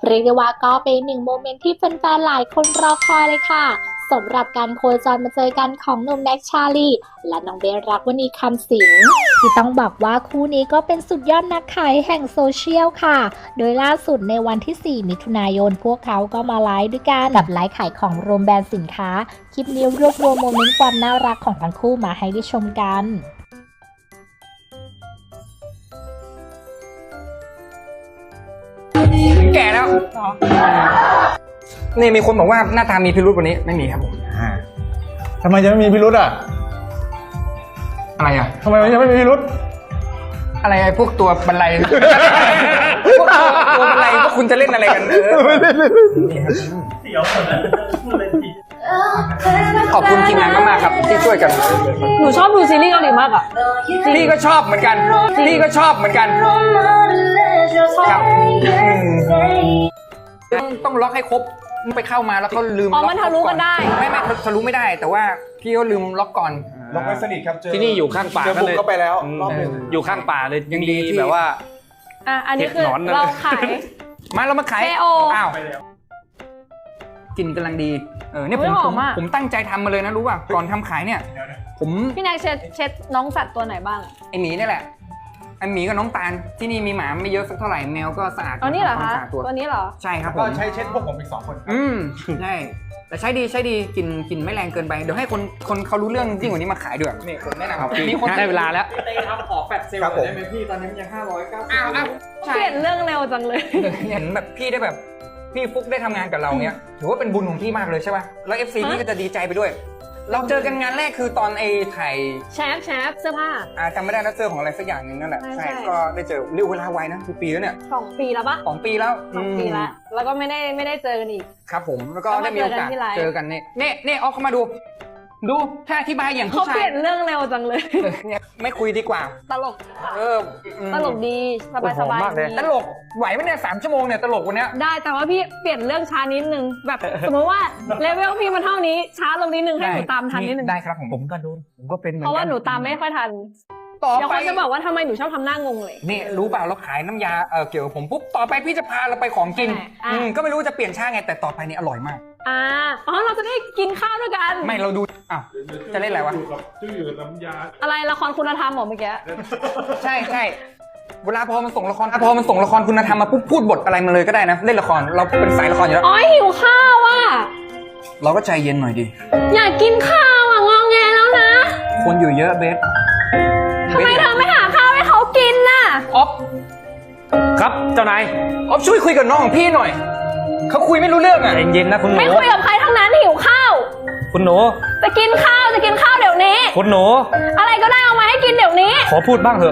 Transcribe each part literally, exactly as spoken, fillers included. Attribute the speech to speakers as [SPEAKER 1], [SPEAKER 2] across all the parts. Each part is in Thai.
[SPEAKER 1] เรียกได้ว่าก็เป็นหนึ่งโมเมนต์ที่แฟนๆหลายคนรอคอยเลยค่ะสำหรับการโคจรมาเจอกันของหนุ่มแน็กชาลีและน้องเบสรักวณีคำสิงที่ต้องบอกว่าคู่นี้ก็เป็นสุดยอดนักขายแห่งโซเชียลค่ะโดยล่าสุดในวันที่สี่มิถุนายนพวกเขาก็มาไลฟ์ด้วยกันกับไลฟ์ขายของรวมแบรนด์สินค้าคลิปนี้รวบรวมโมเมนต์ความน่ารักของทั้งคู่มาให้ได้ชมกัน
[SPEAKER 2] แก่แล้วนี่มีคนบอกว่าหน้าตามีพิรุธวันนี้ไม่มีครับผม
[SPEAKER 3] ทำไมจะไม่มีพิรุธอ่ะ
[SPEAKER 2] อะไรอ่ะ
[SPEAKER 3] ทำไมมันยังไม่มีพิรุธ
[SPEAKER 2] อะไรไอ้พวกตัวบรรลัยพวกตัวตัวบรรลัยพวกคุณจะเล่นอะไรกันเออขอบคุณทีมงานมากๆครับที่ช่วยกัน
[SPEAKER 4] หนูชอบดูซีรีส์เกาหลีมากอ่ะ
[SPEAKER 2] ลี่ก็ชอบเหมือนกันลี่ก็ชอบเหมือนกันครับต้องล็อกให้ครบไปเข้ามาแล้วก็ลืมล็อก
[SPEAKER 4] มันทะลุกันได้
[SPEAKER 2] ไม่ไม่ทะลุไม่ได้แต่ว่าพี่ก็ลืมล็อกก่อน
[SPEAKER 3] ล็อกไว้สนิทครับเจอ
[SPEAKER 5] ที่นี่อยู่ข้างป่า
[SPEAKER 3] ก็เลยก็ไปแล้วรอบนึง
[SPEAKER 5] อยู่ข้างป่าเลยยังดีแบบว่า
[SPEAKER 4] อ่ะอันนี้คือเราขาย
[SPEAKER 2] มาเรามาขายอ้าวกินกำลังดีเออเนี่ยผมผมตั้งใจทำมาเลยนะรู้ป่ะก่อนทำขายเนี่ยผม
[SPEAKER 4] พี่นายเช็ดเช็ดน้องสัตว์ตัวไหนบ้าง
[SPEAKER 2] ไอหมีนี่แหละไอหมีกับน้องตาลที่นี่มีหมาไม่เยอะสักเท่าไหร่แมวก็สะอาด
[SPEAKER 4] อ๋อนี่เหรอคะตัวนี้เหรอ
[SPEAKER 2] ใช่ครับผม
[SPEAKER 3] ก็ใช้เช็ดพวกผมอีกสองคน
[SPEAKER 2] อืมใช่แต่ใช้ดีใช้ดีกินกินไม่แรงเกินไปเดี๋ยวให้คนคนเขารู้เรื่องยิ่งกว่านี้มาขายด้วยนี่ผมแนะนำ
[SPEAKER 5] มีคนได้เวลาแล้ว
[SPEAKER 6] เต้ครับขอแฟดเซลล์ได้ไหมพี่ตอนนี้มันยังห้าร้อยเก้าสิบ
[SPEAKER 2] อ้าวอ้าว
[SPEAKER 4] เปลี่ยนเรื่องเร็วจังเลย
[SPEAKER 2] เห็นแบบพี่ได้แบบพี่ฟุกได้ทำงานกับเราเนี้ยถือว่าเป็นบุญของพี่มากเลยใช่ป่ะแล้ว เอฟ ซี พี่ก็จะดีใจไปด้วยเราเจอกันงานแรกคือตอนไอ้ถ่าย
[SPEAKER 4] แชฟแชฟเสื้อผ้า
[SPEAKER 2] อ่าจำไม่ได้นะเสื้อของอะไรสักอย่างนึงนั่นแหละใช่ก็ได้เจอเร็วเวลาไวนะคือปีแล้วเนี่ย
[SPEAKER 4] สองปีแล้วปะ
[SPEAKER 2] สองปีแล้ว
[SPEAKER 4] สองปีแล้วแล้วก็ไม่ได้ไม่ได้เจอกันอีก
[SPEAKER 2] ครับผมแล้วก็ได้มีโอกาสเจอกันเนี่ยเนี่ยเนี่ยเอาเข้ามาดูดูถ้าอธิบายอย่างผู้ชาย
[SPEAKER 4] เขาเปลี่ยนเรื่องเร็วจังเลย
[SPEAKER 2] เนี่ยไม่คุยดีกว่า
[SPEAKER 4] ตลก
[SPEAKER 2] เออ
[SPEAKER 4] ตลกดีสบายสบายดี
[SPEAKER 2] ตลกไหวไหมเนี่ยสามชั่วโมงเนี่ยตลกวันเนี้ย
[SPEAKER 4] ได้แต่ว่าพี่เปลี่ยนเรื่องช้านิดนึงแบบสมมติว่าเลเวลพี่มันเท่านี้ช้าลงนิดนึงให้หนูตามทันนิดนึง
[SPEAKER 2] ได้ครับผมผมก็ดูผมก็เป็นเหมือนกัน
[SPEAKER 4] เพราะว่าหนูตามไม่ค่อยทันต่อไปจะบอกว่าทำไมหนูชอบทำหน้างงเลย
[SPEAKER 2] นี่รู้เปล่าเราขายน้ำยาเออเกี่ยวกับผมปุ๊บต่อไปพี่จะพาเราไปของกินอืมก็ไม่รู้จะเปลี่ยนช่างไงแต่ต่อไปนี่อร่อยมาก
[SPEAKER 4] อ่าอ๋อเราจะได้กินข้าวด้วยกัน
[SPEAKER 2] ไม่เราดูอ้าวจะเล่นอะไรวะ
[SPEAKER 6] ชื่อน้ำยา
[SPEAKER 4] อะไรละครคุณธรรมหรอเมื่อกี้
[SPEAKER 2] ใช่ใช่เวลาพอมันส่งละครพอมันส่งละครคุณธรรมมาปุ๊บพูดบทอะไรมาเลยก็ได้นะเล่นละครเราเป็นสายละครอยู่แล้ว
[SPEAKER 4] อ๋อหิวข้าวอ่ะ
[SPEAKER 2] เราก็ใจเย็นหน่อยดิ
[SPEAKER 4] อยากกินข้าวอ่ะงองแงแล้วนะ
[SPEAKER 2] คนอยู่เยอะเบส
[SPEAKER 4] ทำไมเธอไม่หาข้าวให้เขากินน่ะ
[SPEAKER 2] อ๊อฟ
[SPEAKER 5] ครับเจ้านาย
[SPEAKER 2] อ๊อฟช่วยคุยกับน้องของพี่หน่อยเขาคุยไม่รู้เรื่องอ่ะ
[SPEAKER 5] เย็นๆนะคุณหนู
[SPEAKER 4] ไม่คุยกับใครทั้งนั้นหิวข้าว
[SPEAKER 5] คุณหนู
[SPEAKER 4] จะกินข้าวจะกินข้าวเดี๋ยวนี้
[SPEAKER 5] คุณหนู
[SPEAKER 4] อะไรก็ได้เอามาให้กินเดี๋ยวนี้
[SPEAKER 5] ขอพูดบ้างเถอะ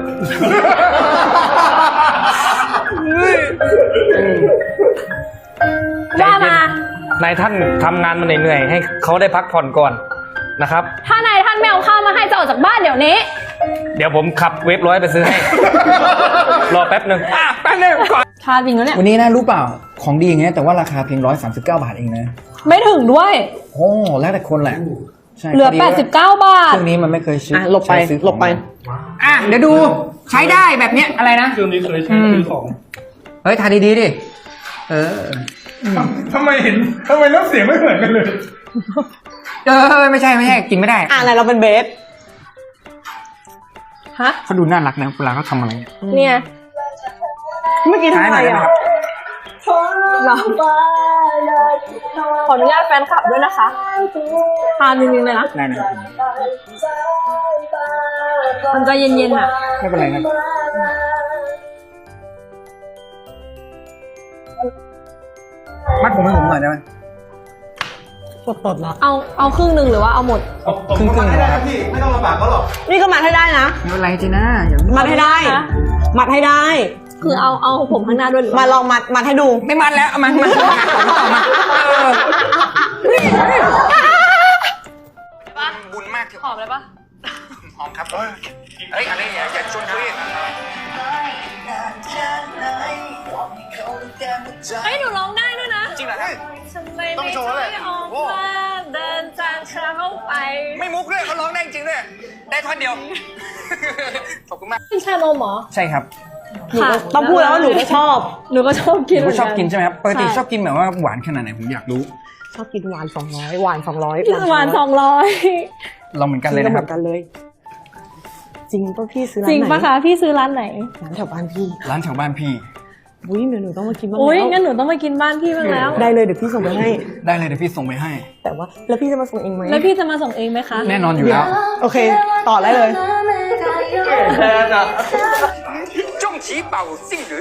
[SPEAKER 4] ว่าม
[SPEAKER 5] นายท่านทำงานมาเหนื่อยๆให้เขาได้พักผ่อนก่อนนะครับ
[SPEAKER 4] ถ้านายท่านไม่เอาข้าวมาให้จะออกจากบ้านเดี๋ยวนี้
[SPEAKER 5] เดี๋ยวผมขับเวฟร้อยไปซื้อให้รอแป๊บนึง
[SPEAKER 2] อ่ะแป๊บนึงก่อน
[SPEAKER 4] ชาจริงแล้วเนี่ย
[SPEAKER 2] วันนี้นะรู้เปล่าของดีอย่างเงี้ยแต่ว่าราคาเพียงร้อยสามสิบเก้าบาทเองนะ
[SPEAKER 4] ไม่ถึงด้วย
[SPEAKER 2] โอ้แล้วแต่คนแหละ
[SPEAKER 4] ใช่เหลือแปดสิบเก้าบาท
[SPEAKER 2] เครื่องนี้มันไม่เคยซื้อ
[SPEAKER 4] หลบไปหลบไป
[SPEAKER 2] อ่ะเดี๋ยวดูใช้ได้แบบเนี้ยอะไรนะ
[SPEAKER 6] เครื่องนี้เคยใช้ซื้อของ
[SPEAKER 2] เฮ้ยทาดีๆดิเออ
[SPEAKER 3] ทำไมเห็นทำไมน้ำเสียงไม่เหมือนกันเลย
[SPEAKER 2] เออไม่ใช่ไม่ใช่กินไม่ได้
[SPEAKER 4] อ่ะอะไรเราเป็นเบสฮะ
[SPEAKER 2] เขาดูน่ารักนะเวลาเขาทำอะไร
[SPEAKER 4] เนี่ยเมื่อกี้ทำอะไรอ่ะเราขออนุญาตแฟนคลับด้วยนะคะทานจริงๆเลยนะ
[SPEAKER 2] ได้นะ
[SPEAKER 4] มันจะเย็นๆอ่ะ
[SPEAKER 2] ไม่เป็นไรนะมัดผมให้ผมหน่อยได้ไหม
[SPEAKER 4] สดๆแล้วเอาเอาครึ่งหนึ่งหรือว่าเอาหมด
[SPEAKER 3] ครึ่งครึ่งนะครับพี่ไม่ต้องลำบากเขาหรอก
[SPEAKER 4] นี่ก็มัดให้ได้นะ
[SPEAKER 2] ไม่เป็นไรจีน่า
[SPEAKER 4] มัดให้ได้มัดให้ได้คือเอาเอาผมข้างหน้าด้วยมาลองมัดมัดให้ดู
[SPEAKER 2] ไม่มัดแล้วมันมันบุญมาก
[SPEAKER 4] หอมเลยปะ
[SPEAKER 2] หอมครับเฮ้ยอะไรอย่าอย่าชวนคุย
[SPEAKER 4] เฮ้ยหนูร้องได้ด้วยนะ
[SPEAKER 2] จริงเหรอ
[SPEAKER 3] ต้องโชว์เลย
[SPEAKER 4] เดินจากเช้าไป
[SPEAKER 2] ไม่มุกด้วยเขาร้องได้จริงด้วยได้ท่อนเดียวขอบคุณมาก
[SPEAKER 4] เป็นชานมเหรอ
[SPEAKER 2] ใช่ครับ
[SPEAKER 7] หนูก็ต้องพูดแล้วว่าหนูก็ชอบ
[SPEAKER 4] หนูก็ชอบกิน
[SPEAKER 2] หนูก็ชอบกินใช่ไหมครับปกติ
[SPEAKER 4] ใช่
[SPEAKER 2] ชอบกินแบบว่าหวานขนาดไหนผมอยากรู้
[SPEAKER 7] ชอบกินหวานสองร้อยหวานสองร้อย
[SPEAKER 4] ประมาณสองร้อย
[SPEAKER 2] เราเหมือนกันเลยนะครับ
[SPEAKER 7] หมือนกันเลย จริงป่ะพี่ซื้อร้า
[SPEAKER 4] จ
[SPEAKER 7] น
[SPEAKER 4] ริง
[SPEAKER 7] ไหน
[SPEAKER 4] ปะคะพี่ซื้อร้านไหน
[SPEAKER 7] ร้านแถวบ้านพี่
[SPEAKER 2] ร้านแถวบ้านพี่
[SPEAKER 7] อุ้ยเดี๋ยวหนูต้องมากินบ้าง
[SPEAKER 4] อุ้ย
[SPEAKER 7] แล้ว
[SPEAKER 4] งั้นหนูต้องมากินบ้านพี่บ้างแล้ว
[SPEAKER 7] ได้เลยเดี๋ยวพี่ส่งไปให้
[SPEAKER 2] ได้เลยเดี๋ยวพี่ส่งไปให้
[SPEAKER 7] แต่ว่าแล้วพี่จะมาส่งเองไหม
[SPEAKER 4] แล้วพี่จะมาส่งเองไหมคะ
[SPEAKER 2] แน่นอนอยู่แล้ว
[SPEAKER 7] โอเค ต่อได้เลย
[SPEAKER 2] จงฉีเป่าซิ่งหรือ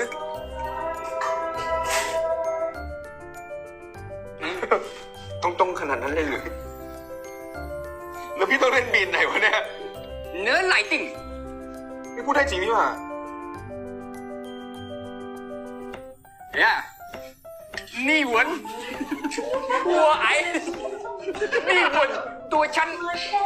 [SPEAKER 2] ต้องตรงขนาดนั้นเลยหรือแล้วพี่ต้องเล่นบีนไหนวะเนี่ยเนื้อไหลติ่งพี่พูดได้จริงนี่หว่าเนี่ยนี่หวนหัวไอนี่หวนตัวฉัน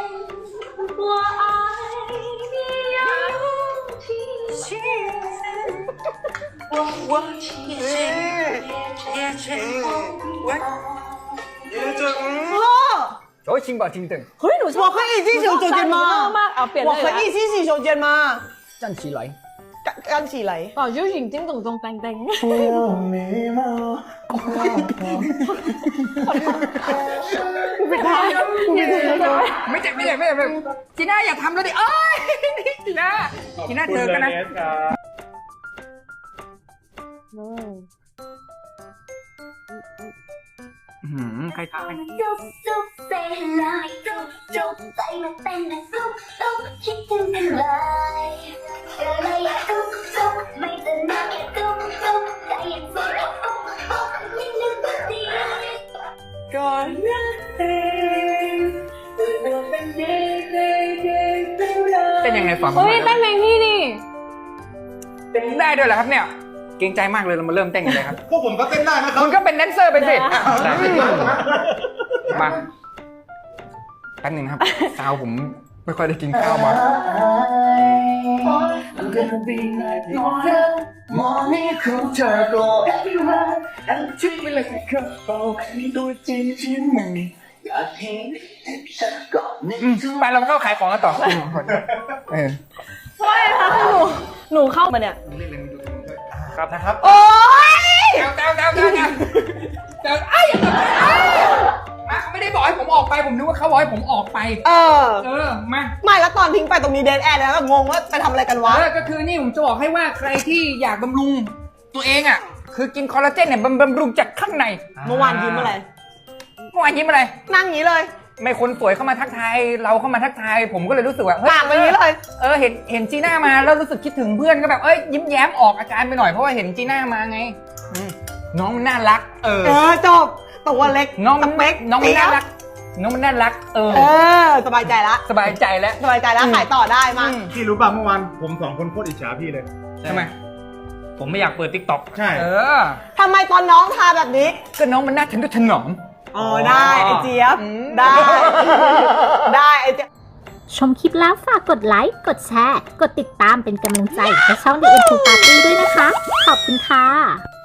[SPEAKER 2] โอ้ยชิงบ่าชิงตึง
[SPEAKER 7] เฮ้ยหนูชอบ我可以继续走肩吗
[SPEAKER 4] มากเอาเปลี่ยน
[SPEAKER 7] 我
[SPEAKER 4] เลย
[SPEAKER 7] 可以继续走肩吗
[SPEAKER 2] จันชีไหล
[SPEAKER 7] 干干起来
[SPEAKER 4] ก่อนยูหญิงจิ้งตรงตรงแตงแตง
[SPEAKER 2] ไม่เจ็บไม่เจ็บไม่เจ็บไม่เจ็บจีน่าอย่าทำแล้วดิเอ้ยจีน่าจีน่าเจอกันนะหืมใครทำ
[SPEAKER 8] ซุบซุบเซลายซุบซุบใจมันเต้นนะซุบซุบคิดถึงกันเลยก็เลยอยากซุบซุบไม่ตื่นมาแค่ซุบซุบใจยังโซดซุบซุบไม่ลืมตัวดีก่อนรักเองตัวเป็นเด็กเด็กเด็กเป็นเรา
[SPEAKER 2] เป็นยังไงฟัง
[SPEAKER 4] โอ้ยเต้นเพลงพี่ดิ
[SPEAKER 2] ได้ด้วยเหรอครับเนี่ยเกรงใจมากเลยเรามาเริ่มเต้นกันเลยครับ
[SPEAKER 3] พวกผมก็เต้นได้นะครับ
[SPEAKER 2] คุณก็เป็นแดนเซอร์ไปสิมาแป๊บหนึงครับซาวผมไม่ค่อยได้กินข้าวมา อืมไปเราเข้าขายของกันต่อเออ
[SPEAKER 4] ใช่ค่ะคือหนูหนูเข้ามาเนี่ย
[SPEAKER 2] ครับนะครับ
[SPEAKER 7] โอ้ย
[SPEAKER 2] เจ้าเจ้าเจ้าเจ้าเจ้าเจ้าไอ้ยังมาเขาไม่ได้บอกให้ผมออกไปผมนึกว่าเขาบอกให้ผมออกไป
[SPEAKER 7] เออ
[SPEAKER 2] เออมา
[SPEAKER 7] ไม่แล้วตอนทิ้งไปตรงนี้เดนแอร์แล้วก็งงว่าไปทำอะไรกันวะ
[SPEAKER 2] เออก็คือนี่ผมจะบอกให้ว่าใครที่อยากบำรุงตัวเองอ่ะคือกินคอลลาเจนเนี่ยบำบำรุงจากข้างใน
[SPEAKER 7] เมื่อวานยิ้มอะไร
[SPEAKER 2] เมื่อวานยิ้มอะไร
[SPEAKER 7] นั่งอย่างนี้เลย
[SPEAKER 2] ไม่คนสวยเข้ามาทักทายเราเข้ามาทักทายผมก็เลยรู้สึกว่าเฮ้ย
[SPEAKER 7] ปากแบบนี้เลย
[SPEAKER 2] เออเห็นเห็นจีน่ามาแล้วรู้สึกคิดถึงเพื่อนก็แบบเอ้ยยิ้มแย้มออกอาการไปหน่อยเพราะว่าเห็นจีน่ามาไงอืมน้องมันน่ารัก เออ
[SPEAKER 7] เออจบตัวเล็ก
[SPEAKER 2] น้องมัน
[SPEAKER 7] สเป๊ก
[SPEAKER 2] น้องมันน่ารัก น้องมันน่ารัก เออ
[SPEAKER 7] เออสบายใจละ
[SPEAKER 2] สบายใจแล้ว
[SPEAKER 7] สบายใจแล้วขายต่อได้มา
[SPEAKER 2] อืม
[SPEAKER 3] พี่รู้ป่ะเมื่อวานผมสองคนโคตรอิจฉาพี่เลย
[SPEAKER 2] ใช่ไหม
[SPEAKER 5] ผมไม่อยากเปิดติ๊กต็อก
[SPEAKER 3] ใช่
[SPEAKER 2] เออ
[SPEAKER 7] ทำไมตอนน้องทาแบบนี้
[SPEAKER 2] ก็น้องมันน่าทะนุถนอม
[SPEAKER 7] อ๋อได้ไอเจี๊ยบ
[SPEAKER 2] อืม
[SPEAKER 7] ได้ ได้ไอเจี๊ยบ
[SPEAKER 1] ชมคลิปแล้วฝากกดไลค์ กดแชร์ กดติดตามเป็นกำลังใจให้ช่อง The เอ็ม ทู Party ด้วยนะคะ ขอบคุณค่ะ